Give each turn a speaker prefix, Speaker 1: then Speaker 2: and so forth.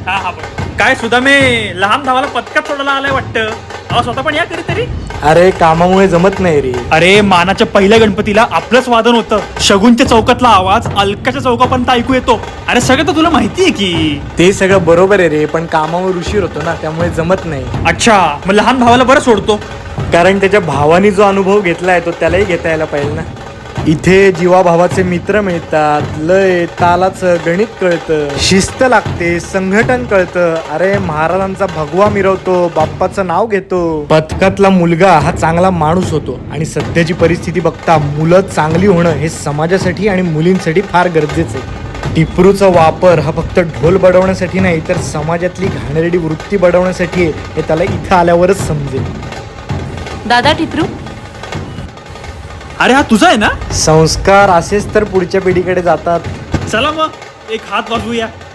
Speaker 1: हा हा बघ काय सुद्धा मी लहान भावाला पत्कात सोडायला आलाय वाटतं. अहो स्वतः पण या कधीतरी.
Speaker 2: अरे कामामुळे जमत नाही रे.
Speaker 1: अरे मानाच्या पहिल्या गणपतीला आपलंच वादन होतं. शगुनच्या चौकातला आवाज अलकाच्या चौकापर्यंत ऐकू येतो. अरे सगळं तर तुला माहितीये की.
Speaker 2: ते सगळं बरोबर आहे रे, पण कामावर उशीर होतो ना, त्यामुळे जमत नाही.
Speaker 1: अच्छा मग लहान भावाला बरं सोडतो.
Speaker 2: कारण त्याच्या भावाने जो अनुभव घेतलाय तो त्यालाही घेता यायला पाहिजे ना. इथे जीवाभावाचे मित्र मिळतात, लय तालाचं गणित कळतं, शिस्त लागते, संघटन कळतं. अरे महाराजांचा भगवा मिरवतो, बाप्पाचं नाव घेतो. पथकातला मुलगा हा चांगला माणूस होतो. आणि सध्याची परिस्थिती बघता मुलं चांगली होणं हे समाजासाठी आणि मुलींसाठी फार गरजेचं आहे. टिपरूचा वापर हा फक्त ढोल बडवण्यासाठी नाही, तर समाजातली घाणेरडी वृत्ती बडवण्यासाठी आहे, हे त्याला इथं आल्यावरच समजेल.
Speaker 3: दादा टिपरू,
Speaker 1: अरे हा तुझा आहे ना.
Speaker 2: संस्कार असेच तर पुढच्या पिढीकडे जातात.
Speaker 1: चला मग एक हात वाजवूया.